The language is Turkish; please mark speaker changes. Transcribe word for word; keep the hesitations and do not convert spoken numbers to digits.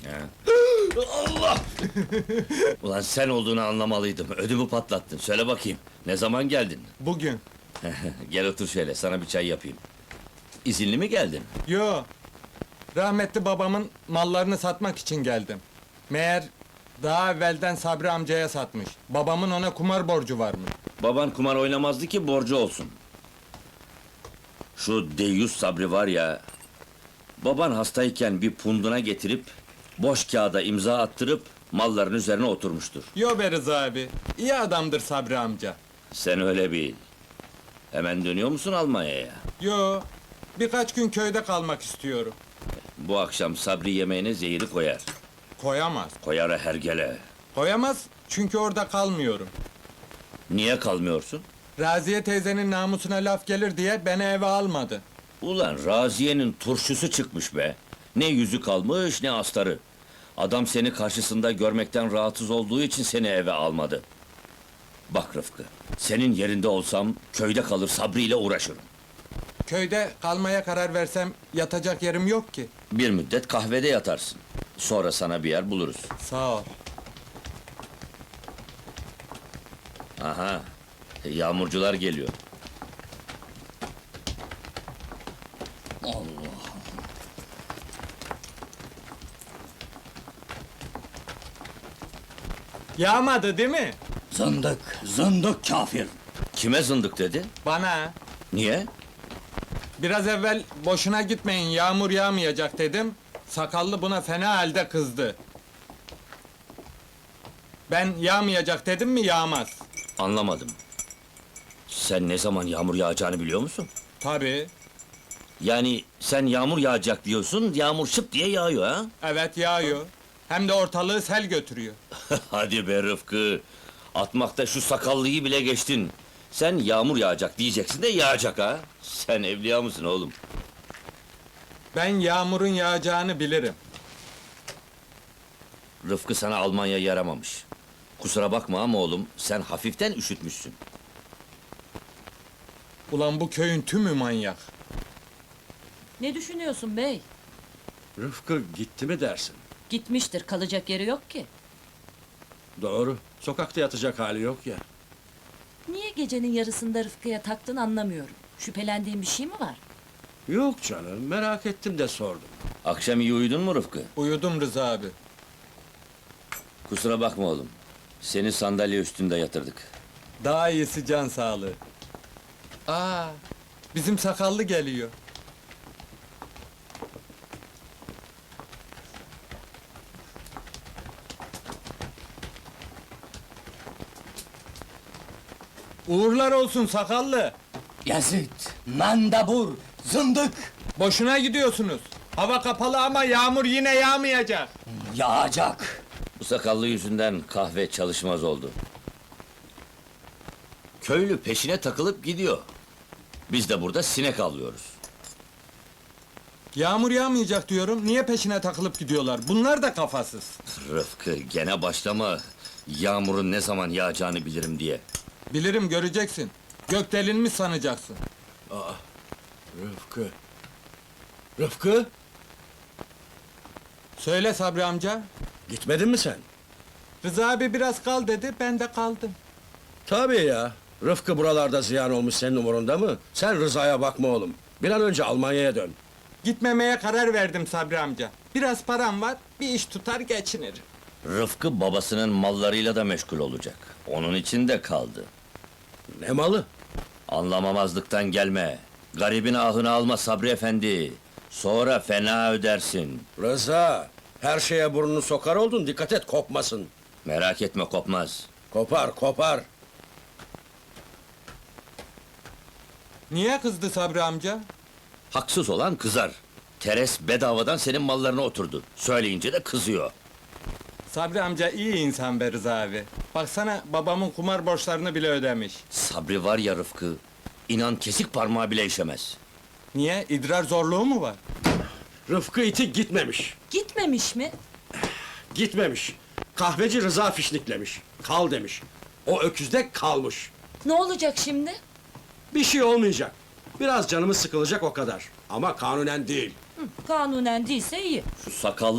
Speaker 1: Allah! Ulan sen olduğunu anlamalıydım, ödümü patlattın. Söyle bakayım, ne zaman geldin?
Speaker 2: Bugün.
Speaker 1: Gel otur şöyle, sana bir çay yapayım. İzinli mi geldin?
Speaker 2: Yo. Rahmetli babamın mallarını satmak için geldim. Meğer daha evvelden Sabri amcaya satmış. Babamın ona kumar borcu varmış.
Speaker 1: Baban kumar oynamazdı ki borcu olsun. Şu deyyus Sabri var ya... Baban hastayken bir punduna getirip... Boş kağıda imza attırıp... Malların üzerine oturmuştur.
Speaker 2: Yo be Rıza abi. İyi adamdır Sabri amca.
Speaker 1: Sen öyle bil. Hemen dönüyor musun Almanya'ya?
Speaker 2: Yo. Birkaç gün köyde kalmak istiyorum.
Speaker 1: Bu akşam Sabri yemeğine zehiri koyar.
Speaker 2: Koyamaz.
Speaker 1: Koyara hergele.
Speaker 2: Koyamaz çünkü orada kalmıyorum.
Speaker 1: Niye kalmıyorsun?
Speaker 2: Raziye teyzenin namusuna laf gelir diye beni eve almadı.
Speaker 1: Ulan Raziye'nin turşusu çıkmış be! Ne yüzü kalmış, ne astarı! Adam seni karşısında görmekten rahatsız olduğu için seni eve almadı. Bak Rıfkı, senin yerinde olsam, köyde kalır Sabri ile uğraşırım.
Speaker 2: Köyde kalmaya karar versem yatacak yerim yok ki.
Speaker 1: Bir müddet kahvede yatarsın. Sonra sana bir yer buluruz.
Speaker 2: Sağ ol.
Speaker 1: Aha, yağmurcular geliyor.
Speaker 2: Yağmadı değil mi?
Speaker 3: Zındık, zındık kafir!
Speaker 1: Kime zındık dedi?
Speaker 2: Bana.
Speaker 1: Niye?
Speaker 2: Biraz evvel boşuna gitmeyin yağmur yağmayacak dedim. Sakallı buna fena halde kızdı. Ben yağmayacak dedim mi yağmaz.
Speaker 1: Anlamadım. Sen ne zaman yağmur yağacağını biliyor musun?
Speaker 2: Tabii.
Speaker 1: Yani sen yağmur yağacak diyorsun, yağmur şıp diye yağıyor ha?
Speaker 2: Evet yağıyor. Hem de ortalığı sel götürüyor.
Speaker 1: Hadi be Rıfkı! Atmakta şu sakallıyı bile geçtin. Sen yağmur yağacak diyeceksin de yağacak ha? Sen evliya mısın oğlum?
Speaker 2: Ben yağmurun yağacağını bilirim.
Speaker 1: Rıfkı sana Almanya yaramamış. Kusura bakma ama oğlum, sen hafiften üşütmüşsün.
Speaker 2: Ulan bu köyün tümü manyak.
Speaker 4: Ne düşünüyorsun bey?
Speaker 3: Rıfkı gitti mi dersin?
Speaker 4: Gitmiştir, kalacak yeri yok ki.
Speaker 3: Doğru, sokakta yatacak hali yok ya.
Speaker 4: Niye gecenin yarısında Rıfkı'ya taktın anlamıyorum. Şüphelendiğin bir şey mi var?
Speaker 3: Yok canım, merak ettim de sordum.
Speaker 1: Akşam iyi uyudun mu Rıfkı?
Speaker 2: Uyudum Rıza abi.
Speaker 1: Kusura bakma oğlum. Seni sandalye üstünde yatırdık.
Speaker 2: Daha iyisi can sağlığı. Aa, bizim sakallı geliyor. Uğurlar olsun sakallı.
Speaker 5: Yazıt, mandabur, zındık!
Speaker 2: Boşuna gidiyorsunuz. Hava kapalı ama yağmur yine yağmayacak.
Speaker 5: Yağacak!
Speaker 1: Bu sakallı yüzünden kahve çalışmaz oldu. Köylü peşine takılıp gidiyor. Biz de burada sinek avlıyoruz.
Speaker 2: Yağmur yağmayacak diyorum. Niye peşine takılıp gidiyorlar? Bunlar da kafasız.
Speaker 1: Rıfkı, gene başlama. Yağmurun ne zaman yağacağını bilirim diye.
Speaker 2: Bilirim göreceksin. Gök delinmiş sanacaksın.
Speaker 3: Rıfkı... Rıfkı,
Speaker 2: Söyle Sabri amca.
Speaker 3: gitmedin mi sen?
Speaker 2: Rıza abi biraz kal dedi, ben de kaldım.
Speaker 3: Tabii ya, Rıfkı buralarda ziyan olmuş senin umurunda mı? Sen Rıza'ya bakma oğlum, bir an önce Almanya'ya dön.
Speaker 2: Gitmemeye karar verdim Sabri amca. Biraz param var, bir iş tutar geçinirim.
Speaker 1: Rıfkı babasının mallarıyla da meşgul olacak. Onun için de kaldı.
Speaker 3: Ne malı?
Speaker 1: Anlamamazlıktan gelme. Garibin ahını alma Sabri efendi. Sonra fena ödersin.
Speaker 3: Rıza, her şeye burnunu sokar oldun, dikkat et kopmasın.
Speaker 1: Merak etme kopmaz.
Speaker 3: Kopar, kopar.
Speaker 2: Niye kızdı Sabri amca?
Speaker 1: Haksız olan kızar. Teres bedavadan senin mallarına oturdu. Söyleyince de kızıyor.
Speaker 2: Sabri amca iyi insan be Rıza abi. Baksana babamın kumar borçlarını bile ödemiş.
Speaker 1: Sabri var ya Rıfkı, inan kesik parmağı bile işemez.
Speaker 2: Niye? İdrar zorluğu mu var?
Speaker 3: Rıfkı iti gitmemiş.
Speaker 4: Gitmemiş mi?
Speaker 3: Gitmemiş. Kahveci Rıza fişniklemiş. Kal demiş. O öküzde kalmış.
Speaker 4: Ne olacak şimdi?
Speaker 3: Bir şey olmayacak. Biraz canımız sıkılacak o kadar. Ama kanunen değil.
Speaker 4: Kanunen değilse iyi.
Speaker 1: Şu sakallı